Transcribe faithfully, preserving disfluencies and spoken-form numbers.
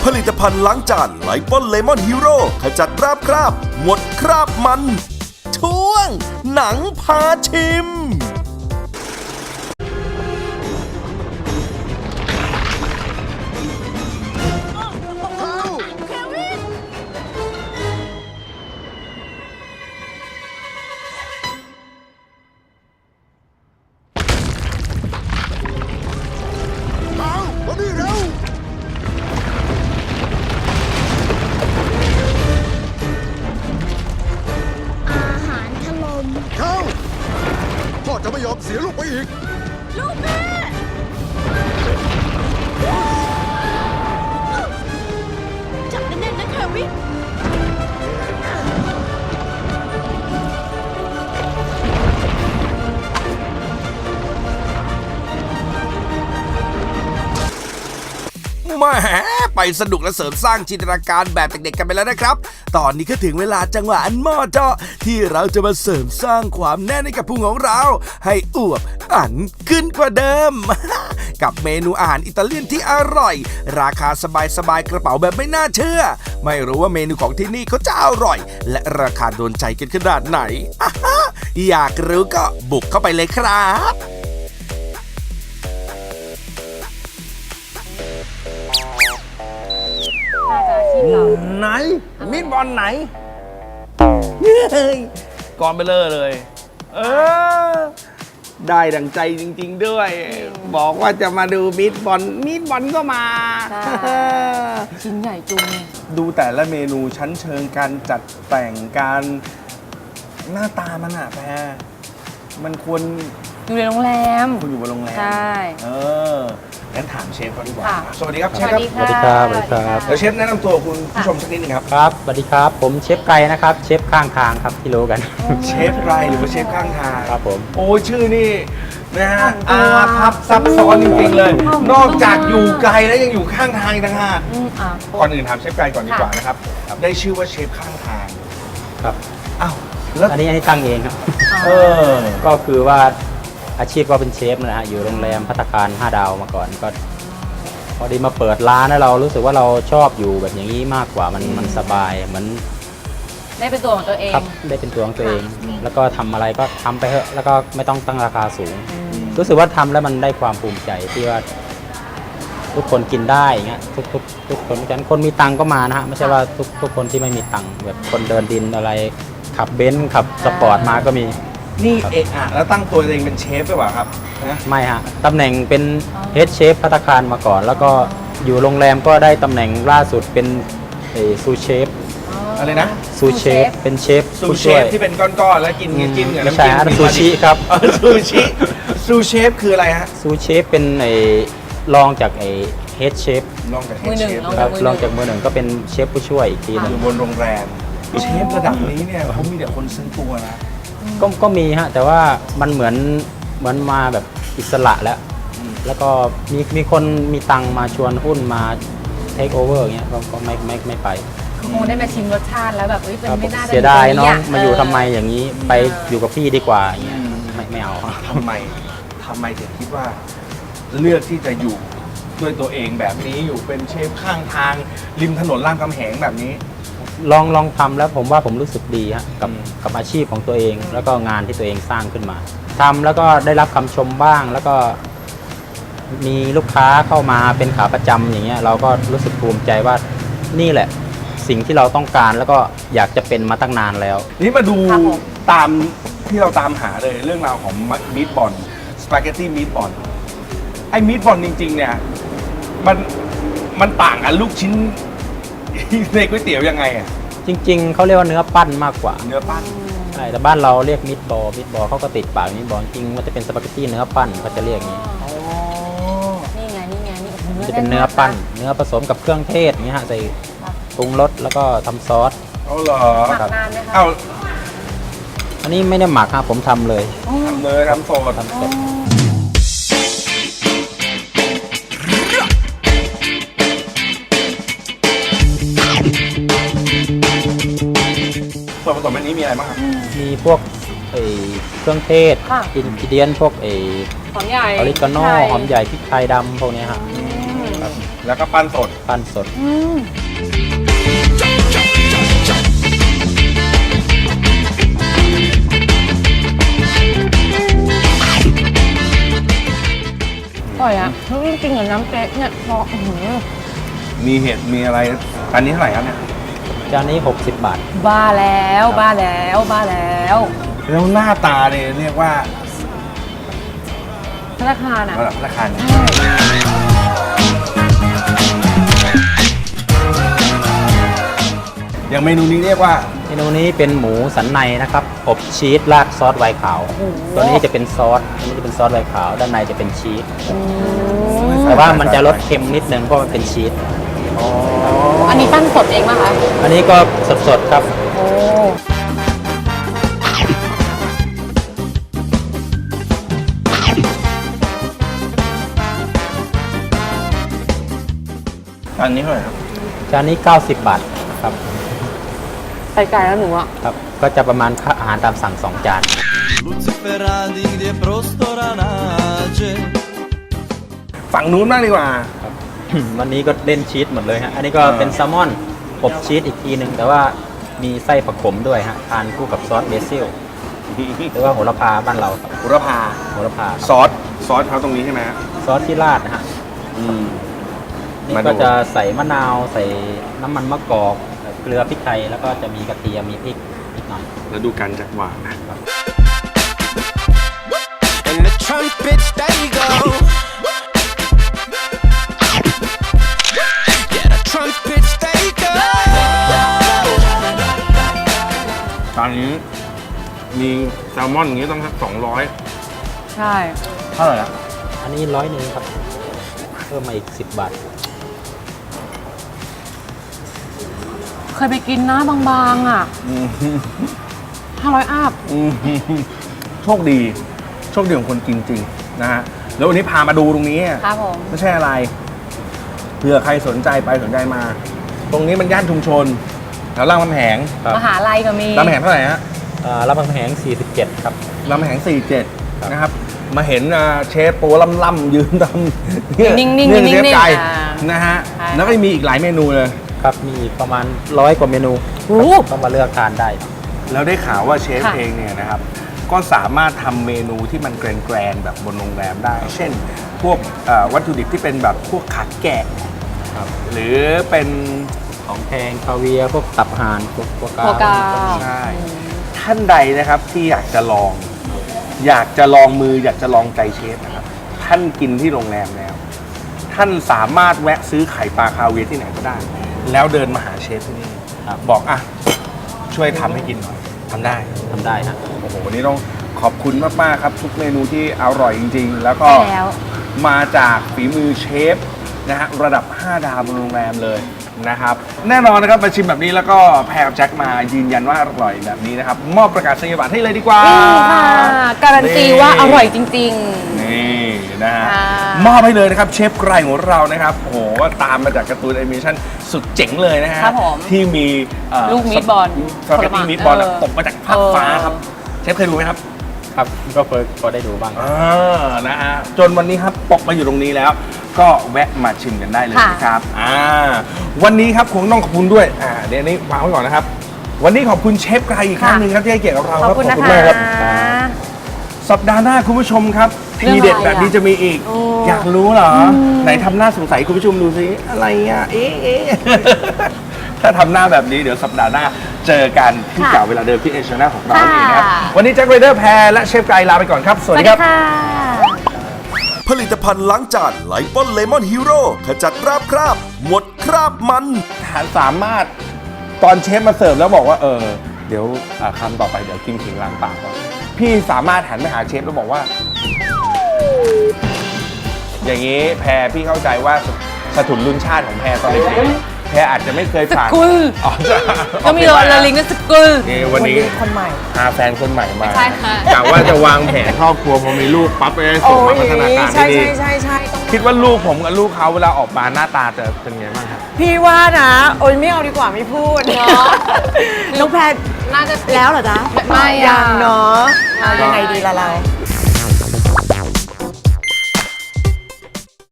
ผลิตภัณฑ์ล้างจานไลปอนเลมอนฮีโร่ขจัดราบคราบหมดคราบมัน ช่วง หนังพาชิมจะไม่ยอมเสียลูกไปอีกลูกแม่จับแน่นๆนะแควินแหมไปสนุกและเสริมสร้างจินตนาการแบบเด็กๆกันไปแล้วนะครับตอนนี้ก็ถึงเวลาจังหวะอันเหมาะเจาะที่เราจะมาเสริมสร้างความแน่นให้กับพุงของเราให้อวบอันขึ้นกว่าเดิม กับเมนูอาหารอิตาเลียนที่อร่อยราคาสบายๆกระเป๋าแบบไม่น่าเชื่อไม่รู้ว่าเมนูของที่นี่เขาจะอร่อยและราคาโดนใจกันขนาดไหน อยากรู้ก็บุกเข้าไปเลยครับไหนมิดบอลไหนเฮ้ยก่อนไปเลยเลย เออ ได้ดังใจจริงๆด้วย บอกว่าจะมาดูมิดบอลมิดบอลก็มาชิ้นใหญ่จุงดูแต่ละเมนูชั้นเชิงการจัดแต่งการหน้าตามันอะแพรมันควรอยู่ในโรงแรมคุณอยู่บนโรงแรมใช่เอองั้นถามเชฟเขาดีกว่าสวัสดีครับเชฟครับสวัสดีครับสวัสดีครับเดี๋ยวเชฟแนะนำตัวคุณผู้ชมสักนิดนึงครับครับสวัสดีครับผมเชฟไก่นะครับเชฟข้างทางครับที่รู้กันเชฟไกรหรือว่าเชฟข้างทางครับผมโอ้ชื่อนี่นะฮะอาพับซับซ้อนจริงๆเลยนอกจากอยู่ไกลแล้วยังอยู่ข้างทางอีกต่างหากก่อนอื่นถามเชฟไกรก่อนดีกว่านะครับได้ชื่อว่าเชฟข้างทางครับอ้าวแล้วอันนี้ให้ตั้งเองครับเออก็คือว่าอาชีพก็เป็นเชฟนะฮะอยู่โรงแรมภัตตาคารห้าดาวมาก่อนก็พอดีมาเปิดร้านแล้วเรารู้สึกว่าเราชอบอยู่แบบอย่างนี้มากกว่ามันมันสบายเหมือนได้เป็นตัวของตัวเองครับได้เป็นตัวของตัวเองแล้วก็ทำอะไรก็ทำไปเถอะแล้วก็ไม่ต้องตั้งราคาสูงรู้สึกว่าทำแล้วมันได้ความภูมิใจที่ว่าทุกคนกินได้อย่างเงี้ยทุกทุกทุกคนฉะนั้นคนมีตังก็มานะฮะไม่ใช่ว่าทุกทุกคนที่ไม่มีตังแบบคนเดินดินอะไรขับเบนซ์ขับสปอร์ตมาก็มีนี่เอะอะแล้วตั้งตัวเองเป็นเชฟหรือเปล่าครับนะไม่ฮะตำแหน่งเป็นเฮดเชฟภัตตาคารมาก่อนแล้วก็อยู่โรงแรมก็ได้ตำแหน่งล่าสุดเป็นซูเชฟอะไรนะซูเชฟเป็นเชฟซูเชฟที่เป็นก้อนๆแล้วกินกินกับน้ำจิ้มซูชิครับซูชิซูเชฟคืออะไรฮะซูเชฟเป็นไอ้รองจากไอ้เฮดเชฟรองจากเฮดเชฟครับรองจากมือหนึ่งก็เป็นเชฟผู้ช่วยอีกทีนึงอยู่บนโรงแรมเชฟระดับนี้เนี่ยเขามีแต่คนซื้อตัวนะก็ก็มีฮะแต่ว่ามันเหมือนเหมือนมาแบบอิสระแล้วแล้วก็มีมีคนมีตังมาชวนหุ้นมาเทคโอเวอร์อย่างเงี้ยก็ไม่ไม่ไม่ไปคงได้มาชิมรสชาติแล้วแบบเอ้ยเป็นไม่น่าเสียดายน้องมาอยู่ทำไมอย่างนี้ไปอยู่กับพี่ดีกว่าอย่างเงี้ยไม่ไม่เอาทำไมทำไมถึงคิดว่าเลือกที่จะอยู่ด้วยตัวเองแบบนี้อยู่เป็นเชฟข้างทางริมถนนรามคำแหงแบบนี้ลองลองทำแล้วผมว่าผมรู้สึกดีฮะกับกับอาชีพของตัวเองแล้วก็งานที่ตัวเองสร้างขึ้นมาทำแล้วก็ได้รับคำชมบ้างแล้วก็มีลูกค้าเข้ามาเป็นขาประจำอย่างเงี้ยเราก็รู้สึกภูมิใจว่านี่แหละสิ่งที่เราต้องการแล้วก็อยากจะเป็นมาตั้งนานแล้วนี่มาดูตามที่เราตามหาเลยเรื่องราวของมีทบอลสปาเกตตี้มีทบอลไอ้มีทบอลจริงๆเนี่ยมันมันต่างกันลูกชิ้นในก๋วยเตี๋ยวยังไงอ่ะจริงๆเขาเรียกว่าเนื้อปั้นมากกว่าเนื้อปั้นใช่แต่บ้านเราเรียกมิตบอลมิตบอลเขาก็ติดปากมิตบอลจริงมันจะเป็นสปาเกตตี้เนื้อปั้นเขาจะเรียกอย่างนี้นี่ไงนี่ไงนี่มันจะเป็นเนื้อปั้นเนื้อผสมกับเครื่องเทศอย่างนี้ฮะใส่ปรุงรสแล้วก็ทำซอสเอาเหรอหมักนานไหมคะเอาอันนี้ไม่ได้หมักครับผมทำเลยทำเลยทำสดทำสดส่วนผสมอันนี้มีอะไรบ้างครับมีพวกเครื่องเทศอินกิเดียนพวกหอมใหญ่ออริกาโน่หอมใหญ่พริกไทยดำพวกนี้ครับแล้วก็ปั้นสดปั้นสดอืมอร่อยอ่ะจริงๆกับน้ำเป๊กเนี่ยพออื้อหือมีเห็ดมีอะไรอันนี้เท่าไหร่ครับเนี่ยจานนี้ หกสิบบาทบ้าแล้วบ้าแล้วบ้าแล้วแล้วหน้าตาเนี่ยเรียกว่าธนาคารอ่ะระดับราคาเนี่ยอย่างเมนูนี้เรียกว่าเมนูนี้เป็นหมูสันในนะครับอบชีสราดซอสไวน์ขาว ตัวนี้จะเป็นซอสอันนี้จะเป็นซอสไวน์ขาว ด้านในจะเป็นชีส แต่ว่ามันจะลดเค็มนิดนึงเพราะมันเป็นชีสอันนี้ปั้นสดเองป่ะคะอันนี้ก็สดๆครับโอ้อันนี้เท่าไหร่ครับจานนี้ เก้าสิบบาทครับไปไกลแล้วหนูอ่ะครับ ก็จะประมาณค่าอาหารตามสั่งสองจาน Luciferati di prostoranace ฝั่งนู้นบ้างดีกว่าวันนี้ก็เล่นชีสหมดเลยฮะ อันนี้ก็เป็นแซลมอนอบชีสอีกทีหนึ่งแต่ว่ามีไส้ผักขมด้วยฮะ ทานคู่กับซอสเบซิลหรือว่าโหระพาบ้านเราครับบุรพาโหระพาซอส ซอสเขาตรงนี้ใช่ไหมฮะซอสที่ราดนะฮะอืมนี่มาดูก็จะใส่มะนาว ใส่น้ำมันมะกอกเกลือพริกไทย แล้วก็จะมีกระเทียม มีพริกนิดหน่อยแล้วดูกันจากหวานนะ and the trumpets they go. Yeah, the trumpets they go. ตอนนี้มีแซลมอนอย่างนี้ต้องสักสองร้อยใช่เท่าไหร่ละอันนี้ร้อยหนึ่งครับ เพิ่มมาอีกสิบบาทเคยไปกินนะบางๆอ่ะห้าร้อยอัพอืมโชคดี โชคดีของคนกินจริงนะฮะ แล้ววันนี้พามาดูตรงนี้ครับผมไม่ใช่อะไร เผื่อใครสนใจไปสนใจมา ตรงนี้มันย่านชุมชนแถวรามคำแหงครับมหาลัยก็มีรามคำแหงเท่าไหร่ฮะอ่ารับคำแหงสี่สิบเจ็ดครับรามคำแหงสี่สิบเจ็ดครับนะครับ มาเห็นอ่าเชฟโปล่ำๆยืนทำเนี่ยนิ่งๆเนี่ยนิ่งๆเชฟไก่อ่านะฮะใช่แล้วก็มีอีกหลายเมนูเลยครับ มีอีกประมาณร้อยกว่าเมนูโอ้ครับต้องมาเลือกทานได้แล้วได้ข่าวว่าเชฟค่ะเองเนี่ยนะครับ ก็สามารถทำเมนูที่มันแกรนๆแบบบนโรงแรมได้ เช่น พวกเอ่อวัตถุดิบที่เป็นแบบพวกขาแกะครับหรือเป็นของแพงคาเวียร์พวกตับห่านพวกกัวกากัวกาใช่ท่านใดนะครับที่อยากจะลอง อยากจะลองมืออยากจะลองใจเชฟนะครับ ท่านกินที่โรงแรมแล้ว ท่านสามารถแวะซื้อไข่ปลาคาเวียร์ที่ไหนก็ได้ แล้วเดินมาหาเชฟที่นี่ครับบอกอ่ะช่วยทำให้กินหน่อยทำได้ทำได้ฮะโอ้โหวันนี้ต้องขอบคุณมากๆครับทุกเมนูที่อร่อยจริงๆ แล้วก็ใช่แล้วมาจากฝีมือเชฟนะฮะระดับห้าดาวบนโรงแรมเลยนะครับแน่นอนนะครับมาชิมแบบนี้แล้วก็แพรกับแจ็คมายืนยันว่าอร่อยแบบนี้นะครับมอบประกาศนียบัตรให้เลยดีกว่านี่ค่ะ การันตีว่าอร่อยจริงนี่นะฮะค่ะมอบให้เลยนะครับเชฟไกรของเรานะครับโอ้โหว่าตามมาจากการ์ตูนแอนิเมชั่นสุดเจ๋งเลยนะฮะครับผมที่มีเอ่อลูกมีดบอลสปาเกตตี้มีดบอลเออตกมาจากภาคฟ้าครับเออเชฟเคยดูไหมครับครับ ก็เคยพอได้ดูบ้างอ่านะฮะจนวันนี้ครับปกมาอยู่ตรงนี้แล้ว ก็แวะมาชิมกันได้เลยค่ะนะครับอ่าวันนี้ครับคงต้องขอบคุณด้วยอ่าเดี๋ยวอันนี้วางไว้ก่อนนะครับ วันนี้ขอบคุณเชฟไกรอีกครั้งหนึ่งครับที่ให้เกียรติกับเราๆ ขคอบรับคุณนะมากคะครับ สัปดาห์หน้าคุณผู้ชมครับเรื่องทีอะไรเด็ดแบบนี้จะมีอีกโอ้อยากรู้เหรอ ไหนทำหน้าสงสัยคุณผู้ชมดูสิอะไรอ่ะเอ๊ะเอ๊ะ ถ้าทำหน้าแบบนี้เดี๋ยวสัปดาห์หน้าเจอกันที่ค่ะเก่าเวลาเดิมที่เอเชียนาของเราค่ะเองนะครับวันนี้แจ็คไรเดอร์แพรและเชฟไกรลาไปก่อนครับ สสวัสวัสดีดีครับค่ะผลิตภัณฑ์ล้างจานไลปอนเลมอนฮีโร่ขจัดคราบคราบ หมดคราบมันสามารถตอนเชฟมาเสิร์ฟแล้วบอกว่าเออเดี๋ยวอ่าคำต่อไปเดี๋ยวกินถึงล้างปากก่อนพี่สามารถหันไปหาเชฟแล้วบอกว่า อย่างนี้แพรพี่เข้าใจว่าสสถุนรุ่นชาติของแพรตอนเด็กๆแพรอาจจะไม่เคยสผ่านกุลอ๋อจะก็มีโรลลิงกับสกุลนี่วันนี้คนใหม่พาแฟนคนใหม่มาใช่ค่ะกะว่าจะวางแผนครอบครัวพอมีลูกปั๊บไปส่งมาพัฒนาการใช่ที่ดีใช่ใช่ใช่ต้องคิดว่าลูกผมกับลูกเขาเวลาออกมาหน้าตาจะเป็นไงบ้างครับพี่ว่านะ โอ้ยไม่เอาดีกว่าไม่พูดเนาะน้องแพรน่าจะแล้วเหรอจ๊ะไม่อะยังเนาะเอายังไงดีล่ะเรา